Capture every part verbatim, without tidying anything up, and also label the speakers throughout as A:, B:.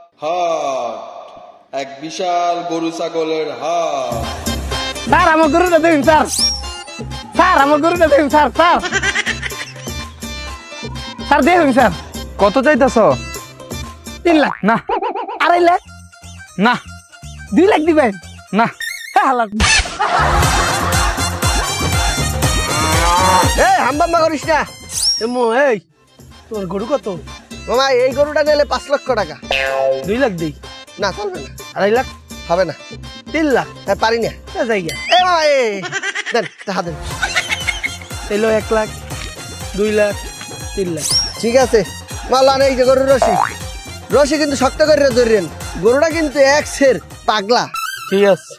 A: হাট, এক বিশাল গরু ছাগলের হাট।
B: স্যার আমার গরুটা দেখুন স্যার, স্যার আমার গরুটা দেখুন স্যার, স্যার স্যার দেখুন স্যার।
C: কত চাইতেছ?
B: তিন লাখ
C: না
B: আড়াই লাখ
C: না
B: দুই লাখ দিবেন?
C: না
B: হ্যাঁ হালাক।
D: এই হাম্বাম্বা করিস না
B: এমো এই তোর গরু কত?
D: মামা, এই গরুটা নিলে পাঁচ লক্ষ টাকা।
B: দুই লাখ দিই?
D: না, চলবে না,
B: আড়াই লাখ?
D: হবে না,
B: তিন লাখ?
D: হ্যাঁ, পারি না।
B: জায়গা
D: এ মামা, এ দেন টাকা দেন।
B: এলো এক লাখ, দুই লাখ, তিন লাখ।
D: ঠিক আছে মাল্লান, এই যে গরুর রশি, রশি কিন্তু শক্ত করে ধরেন, গরুটা কিন্তু এক সের পাগলা।
B: ঠিক আছে।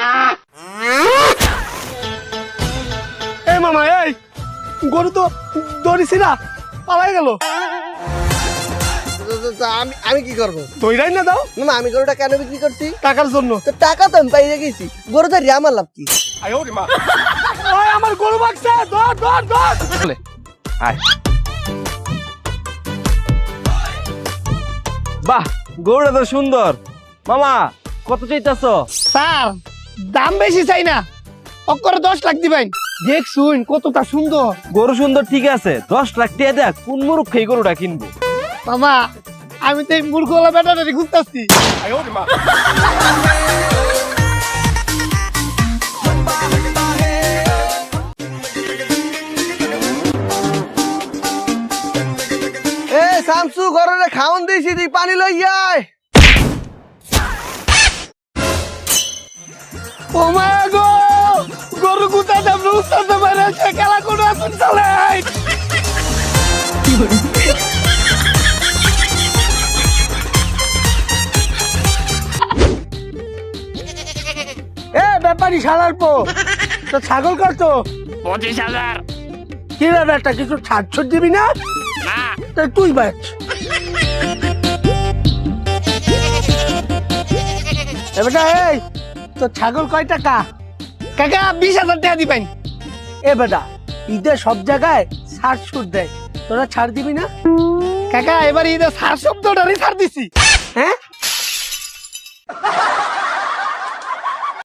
B: এই মামা এই গরু তো দৌড়িছি না, পালাই গেল।
D: তো- তো- তো আমি আমি কি করবো?
B: দৌড়াই না দাও।
D: মামা, আমি গরুটা কেন বিক্রি করছি?
B: টাকার জন্য।
D: তো টাকা তো আমি পাইয়ে গেছি, গরু তো আমার লাভ কি?
B: ওই আমার গরু বাগছে, ধর ধর ধর।
C: বলে আয়। বাহ, গরুটা তো সুন্দর। মামা কত চাইতেছ?
B: স্যার দাম বেশি চাই না, অক্করে দশ লাখ দিবেন। দেখ শুন কতটা সুন্দর।
C: গরু সুন্দর ঠিক আছে, দশ লাখ টাকা দেখ কোন মুরুখ এই গরুটা কিনবো?
B: মামা আমি তো এই মূর্খলা বেটাটারে খুঁজতেছি।
D: এ শামসু, গরুরে খাওন দিয়েছি, তুই পানি লই আয়।
B: ও মা গো, গরু কোথায় দাম রুস্তাতে পারে সে খেলা কোনো আসুন চলে। এ ব্যাপারী শালার পো, তো ছাগল কত?
E: পঁচিশ হাজার।
B: কি রে বেটা, কিছু ছাড় ছুট দিবি না?
E: না,
B: তা তুই বেচ। এ বেটা এই তো ছাগল কয় টাকা? কাকা বিশ হাজার টাকা দিবেন। এ বেটা ঈদে সব জায়গায় ছাড় ছুট দেয়, তোরা ছাড় দিবি না? কাকা এবার ঈদে ছাড় শব্দটারই ছাড় দিছি। হ্যাঁ